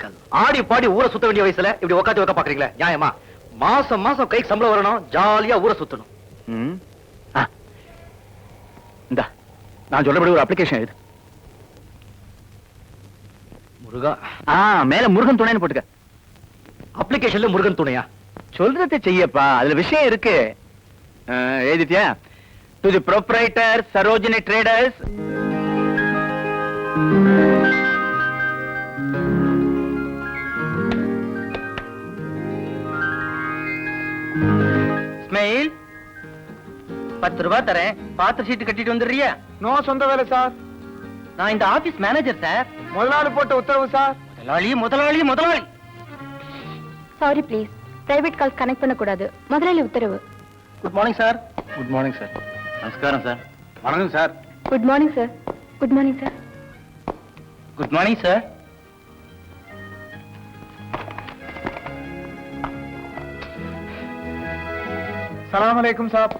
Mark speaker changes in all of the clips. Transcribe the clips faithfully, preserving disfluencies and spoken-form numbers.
Speaker 1: Uncle. ஆடி பாடி ஊரை சுத்த வேண்டிய வயசுல இப்படி உட்காந்து வைக்க பாக்குறீங்களா? நியாயமா? மாசம் மாசம் கைக்கு சம்பளம் வரணும், ஜாலியா ஊரை சுத்தணும்.
Speaker 2: இந்தா நான் சொல்றபடி ஒரு அப்ளிகேஷன் எழுது.
Speaker 1: முருகா.
Speaker 2: ஆ, மேல முருகன் துணைன்னு போட்டுக்க.
Speaker 1: அப்ளிகேஷன்ல முருகன் துணையா?
Speaker 2: சொல்றதை செய்யப்பா, அதுல விஷயம் இருக்கு. எழுதிட்டியா? To the proprietor Sarojini traders.
Speaker 1: Smile, பத்து ரூபாய் தரேன், பாத்திர சீட்டு கட்டிட்டு வந்துடுறியா?
Speaker 3: நோ, சொந்த வேலை சார்.
Speaker 1: நான் இந்த ஆபீஸ் மேனேஜர் சார்.
Speaker 3: முதலாளி போட்ட உத்தரவு சார்.
Speaker 1: முதலாளி முதலாளி முதலாளி.
Speaker 4: Sorry please, private call connect பண்ண கூடாது. முதலாளி உத்தரவு.
Speaker 1: Good morning sir.
Speaker 2: Good morning sir. நமஸ்காரம் சார். வணக்கம் sir.
Speaker 4: Good morning sir. Good morning sir.
Speaker 1: Good morning sir.
Speaker 3: சலாம் அலைக்கும் சார்.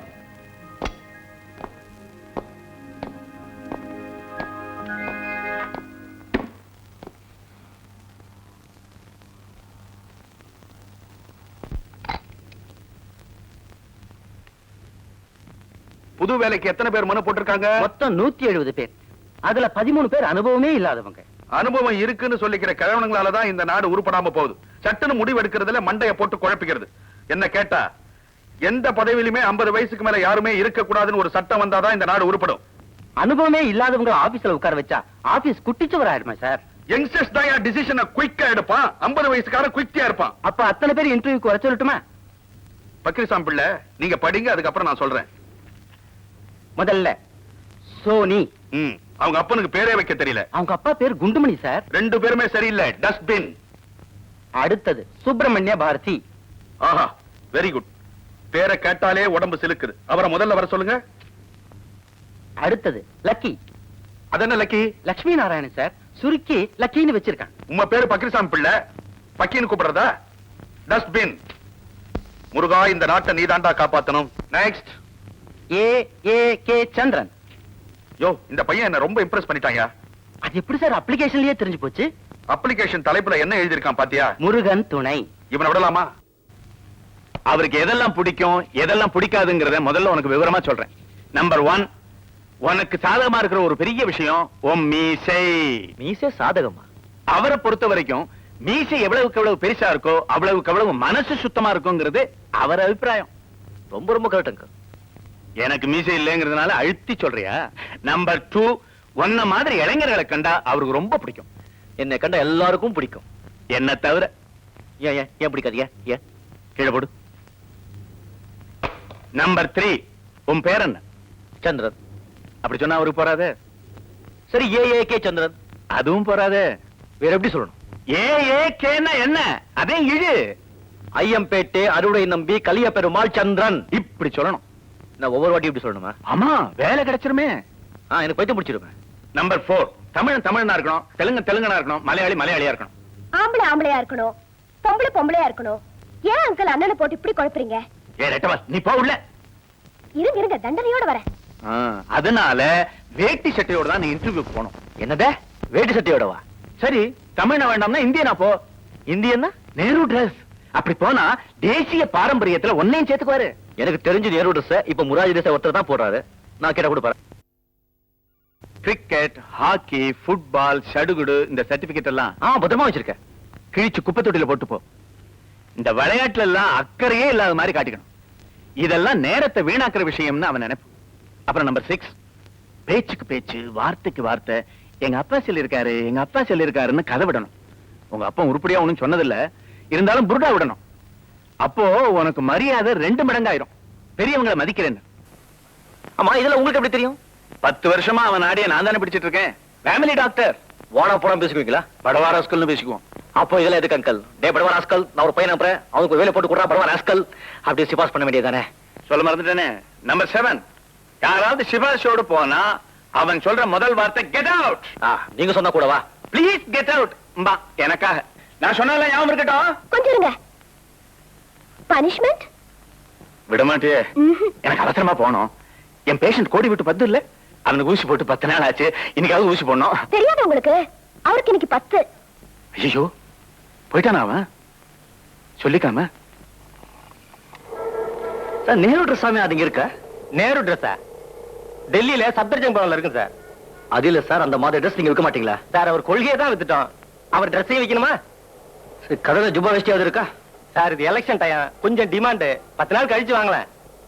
Speaker 2: புது வேலைக்கு எத்தனை பேர் மனு போட்டிருக்காங்க?
Speaker 1: மொத்தம் நூத்தி எழுபது பேர். அதுல பதிமூணு பேர் அனுபவமே இல்லாதவங்க.
Speaker 2: அனுபவம் இருக்குன்னு சொல்லிக்கிற கிழவனுங்களாலதான் இந்த நாடு உருப்படாம போகுது. சட்டுன்னு முடிவு எடுக்கிறதுல மண்டைய போட்டு குழப்பிக்கிறது. என்ன கேட்டா, எந்த பதவியிலுமே ஐம்பது வயசுக்கு மேல யாருமே இருக்க கூடாதுன்னு ஒரு சட்டம் வந்தாதான் இந்த நாடு உருப்படும்.
Speaker 1: அனுபவமே இல்லாதவங்க ஆபீஸ்ல உட்கார வச்சா ஆபீஸ் குட்டிச்சவர் ஆயிடுமா சார்?
Speaker 2: யங்ஸ்டர்ஸ் தான் என் டிசிஷனை குயிக்கா எடுப்பான். ஐம்பது வயசுக்காரன் குயிக்கா இருப்பான்.
Speaker 1: அப்ப அத்தனை பேர் இன்டர்வியூக்கு வர சொல்லட்டுமா?
Speaker 2: பக்கிரிசாம் பிள்ளை, நீங்க படிங்க, அதுக்கப்புறம் நான் சொல்றேன்.
Speaker 1: முதல்ல சோனி.
Speaker 2: ம், அவங்க அப்பனுக்கு பேரே வைக்க தெரியல.
Speaker 1: அவங்க அப்பா பேர் குண்டுமணி சார்.
Speaker 2: ரெண்டு பேருமே சரியில்லை, டஸ்ட்பின்.
Speaker 1: அடுத்தது சுப்பிரமணிய பாரதி.
Speaker 2: ஆஹா, வெரி குட். பேரை கேட்டாலே உடம்பு சிலுக்குது. அவரை முதல்ல வர சொல்லுங்க.
Speaker 1: அடுத்தது லக்கி.
Speaker 2: அதென்ன லக்கி?
Speaker 1: லட்சுமி நாராயணன் சார், சுருக்கி லக்கின்னு வச்சிருக்காங்க.
Speaker 2: உங்க பேரு பக்கிரிசாமி பிள்ளை, பக்கின்னு கூப்பிடுறதா? டஸ்ட்பின். முருகா, இந்த நாட்டை நீதாண்டா காப்பாத்தணும். நெக்ஸ்ட்.
Speaker 1: ஏ ஏ கே சந்திரன்.
Speaker 2: யோ, இந்த பையன் என்ன ரொம்ப இம்ப்ரெஸ் பண்ணிட்டாங்க.
Speaker 1: அது எப்படி சார் அப்ளிகேஷன்லயே தெரிஞ்சு போச்சு?
Speaker 2: அப்ளிகேஷன் தலைப்புல என்ன எழுதியிருக்கான் பாத்தியா?
Speaker 1: முருகன் துணை.
Speaker 2: இவனை விடலாமா? அவருக்கு எதெல்லாம் பிடிக்கும் எதெல்லாம் பிடிக்காதுங்கிறத முதல்ல உனக்கு விவரமா சொல்றேன். நம்பர் ஒன், உனக்கு சாதகமா இருக்கிற ஒரு பெரிய விஷயம் உன் மீசை.
Speaker 1: மீசை சாதகமா?
Speaker 2: அவரை பொறுத்த வரைக்கும் மீசை எவ்வளவுக்கு எவ்வளவு பெருசா இருக்கோ அவ்வளவுக்கு எவ்வளவு மனசு சுத்தமா இருக்குங்கிறது அவர் அபிப்பிராயம்.
Speaker 1: ரொம்ப ரொம்ப கரெக்டுங்க.
Speaker 2: எனக்கு மீசை இல்லைங்கிறதுனால அழுத்தி சொல்றியா? நம்பர் டூ, ஒன்ன மாதிரி இளைஞர்களை கண்டா அவருக்கு ரொம்ப பிடிக்கும்.
Speaker 1: என்னை கண்டா எல்லாருக்கும் பிடிக்கும்,
Speaker 2: என்ன தவிர.
Speaker 1: ஏன் ஏன் ஏன் பிடிக்காது? ஏன் ஏன்
Speaker 2: கீழே போடு. நம்பர் த்ரீ, உன் பேர் என்ன?
Speaker 1: சந்திரன்.
Speaker 2: அப்படி சொன்னா அவருக்கு போறாதே.
Speaker 1: சரி, ஏ ஏ கே சந்திரன்.
Speaker 2: அதுவும் போறாதே.
Speaker 1: வேற எப்படி சொல்லணும்?
Speaker 2: ஏ ஏ கேன்னா என்ன? அதே இழு.
Speaker 1: ஐயம்பேட்டை அறுவடை நம்பி கலிய பெருமாள் சந்திரன்.
Speaker 2: இப்படி சொல்லணும்.
Speaker 1: நான் ஒவ்வொரு வாட்டி இப்படி சொல்லணுமா?
Speaker 2: ஆமா, வேலை கிடைச்சிருமே.
Speaker 1: ஆ, எனக்கு பைத்தியம் பிடிச்சிருவேன்.
Speaker 2: நம்பர் போர், தமிழன் தமிழனா இருக்கணும், தெலுங்கு தெலுங்கனா இருக்கணும், மலையாளி மலையாளியா இருக்கணும்.
Speaker 4: ஆம்பளை ஆம்பளையா இருக்கணும், பொம்பளை பொம்பளையா இருக்கணும். ஏன் அங்கிள் அண்ணனை போட்டு இப்படி குழப்பறீங்க?
Speaker 2: ஏ ரெட்டவா, நீ போ உள்ள.
Speaker 4: இருங்க இருங்க, தண்டனையோட வரேன்.
Speaker 2: அதனால வேட்டி சட்டையோட தான் நீ இன்டர்வியூக்கு போகணும்.
Speaker 1: என்னதே வேட்டி சட்டையோடவா?
Speaker 2: சரி, தமிழ்னா வேண்டாம்னா இந்தியனா போ.
Speaker 1: இந்தியன்னா
Speaker 2: நேரு டிரஸ். அப்படி போனா தேசிய பாரம்பரியத்துல ஒன்னையும் சேர்த்துக்குவாரு.
Speaker 1: எனக்கு தெரிஞ்சு நேரு டிரஸ் இப்ப முராஜி தேச ஒருத்தர் தான் போடுறாரு. நான் கேட்ட கூட பாரு.
Speaker 2: கிரிக்கெட், ஹாக்கி, ஃபுட்பால், சடுகுடு, இந்த சர்டிபிகேட் எல்லாம்
Speaker 1: ஆ பத்திரமா வச்சிருக்கேன்.
Speaker 2: கிழிச்சு குப்பை தொட்டில போட்டு போ. இந்த விளையாட்டுல எல்லாம் அக்கறையே இல்லாத மாதிரி காட்டிக்கணும். இதெல்லாம் நேரத்தை வீணாக்குற விஷயம்னு அவன் நினைப்பு. அப்புறம் நம்பர் சிக்ஸ், பேச்சுக்கு பேச்சு, வார்த்தைக்கு வார்த்தை. எங்க அப்பா சொல்லியிருக்காரு, எங்க அப்பா சொல்லியிருக்காருன்னு கதை விடணும். உங்க அப்பா உருப்படியா ஒண்ணும் சொன்னதில்ல, இருந்தாலும் புருடா விடணும். அப்போ உனக்கு மரியாதை ரெண்டு மடங்காயிரும். பெரியவங்களை மதிக்கிறேன்னு.
Speaker 1: ஆமா, இதுல உங்களுக்கு எப்படி தெரியும்?
Speaker 2: பத்து வருஷமா அவன் ஆடிய நான் தானே பிடிச்சிட்டு இருக்கேன். Family doctor.
Speaker 1: வாடா போடாம பேசுவீங்களா?
Speaker 2: படவா ராஸ்கல்னு பேசிக்குவோம்.
Speaker 1: அப்போ இதெல்லாம் எதுக்கு அங்கல்? டே படவா ராஸ்கல், நான் ஒரு பையன் அனுப்புறேன், அவனுக்கு ஒரு வேலை போட்டு கொடுறா படவா ராஸ்கல். அப்படி சிபாஸ் பண்ண வேண்டியதானே?
Speaker 2: சொல்ல மறந்துட்டேனே. நம்பர் செவன், யாராவது சிபாரிசோடு போனா அவன் சொல்ற முதல் வார்த்தை கெட் அவுட்.
Speaker 1: நீங்க சொன்னா கூடவா?
Speaker 2: Please get out. எனக்காக நான் சொன்னால ஞாபகம் இருக்கட்டும்.
Speaker 4: கொஞ்சம் இருங்க. பனிஷ்மெண்ட்
Speaker 2: விடமாட்டே. எனக்கு அவசரமா போனோம். என் பேஷண்ட் கோடி விட்டு பத்து இல்ல, அவனுக்கு ஊசி போட்டு பத்து நாள் ஆச்சு. இன்னைக்காவது ஊசி போடணும்.
Speaker 4: தெரியாது உங்களுக்கு? அவருக்கு இன்னைக்கு பத்து.
Speaker 2: ஐயோ, போயிட்டானா அவன்? சொல்லிக்காம.
Speaker 1: சார் நேரு ட்ரெஸ் சாமி அது இங்க இருக்க?
Speaker 3: நேரு ட்ரெஸ்ஸா? டெல்லியில சப்தர்ஜங் பவன்ல இருக்கு சார்.
Speaker 1: அது இல்ல சார், அந்த மாதிரி ட்ரெஸ் நீங்க விற்க மாட்டீங்களா?
Speaker 3: சார் அவர் கொள்கையை தான் வித்துட்டோம். அவர் ட்ரெஸ்ஸையும் வைக்கணுமா?
Speaker 1: சரி, கடையில ஜுப்பா வேஷ்டியாவது இருக்கா?
Speaker 3: சார் இது எலெக்ஷன் டைம், கொஞ்சம் டிமாண்ட். பத்து நாள் கழிச்சு வாங்கலாம்.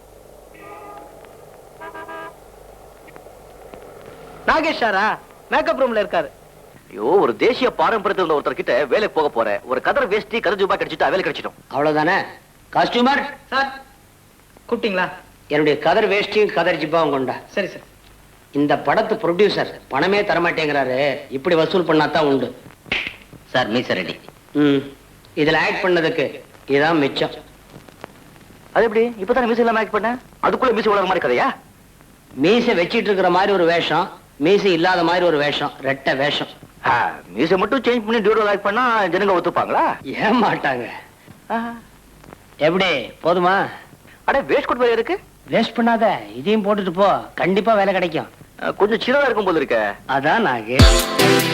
Speaker 3: நாகேஷ் சாரா மேக்கப் ரூம்ல இருக்காரு.
Speaker 1: ஐயோ, ஒரு தேசிய பாரம்பரியத்தில் உள்ள ஒருத்தர் கிட்ட வேலைக்கு போக போற, ஒரு கதர் வேஷ்டி கதர் ஜுப்பா கிடைச்சிட்டா வேலை கிடைச்சிடும்.
Speaker 5: அவ்வளவுதானே? காஸ்டியூமர்
Speaker 3: சார் கூப்பிட்டீங்களா?
Speaker 5: என்னுடைய கதர் வேஷ்டியும் கதர் ஜிப்பாவும் கொண்டா.
Speaker 3: சரி சார்.
Speaker 5: இந்த படத்து ப்ரொடியூசர் பணமே தரமாட்டேங்கிறாரு. இப்படி வசூல் பண்ணாதான் உண்டு.
Speaker 1: சார் மீச ரெடி.
Speaker 5: ம் இதுல ஆக்ட் பண்ணதுக்கு இதான் மிச்சம்.
Speaker 1: அது எப்படி இப்பதானே மீச இல்லாம ஆக்ட் பண்ண? அதுக்குள்ள மீச உலக மாதிரி கதையா?
Speaker 5: மீசை வச்சிட்டு இருக்கிற மாதிரி ஒரு வேஷம், மீசை இல்லாத மாதிரி ஒரு வேஷம், ரெட்டை வேஷம்.
Speaker 1: மீச மட்டும் சேஞ்ச் பண்ணி டியூரல் ஆக்ட் பண்ணா ஜனங்க ஒத்துப்பாங்களா?
Speaker 5: ஏன் மாட்டாங்க. எப்படி போதுமா?
Speaker 1: அட வேஸ்ட் கோட் வேலை இருக்கு.
Speaker 5: வேஸ்ட் பண்ணாத, இதையும் போட்டுட்டு போ, கண்டிப்பா வேலை கிடைக்கும்.
Speaker 1: கொஞ்சம் சின்னதா இருக்கும் போது இருக்க.
Speaker 5: அதான் நாகு.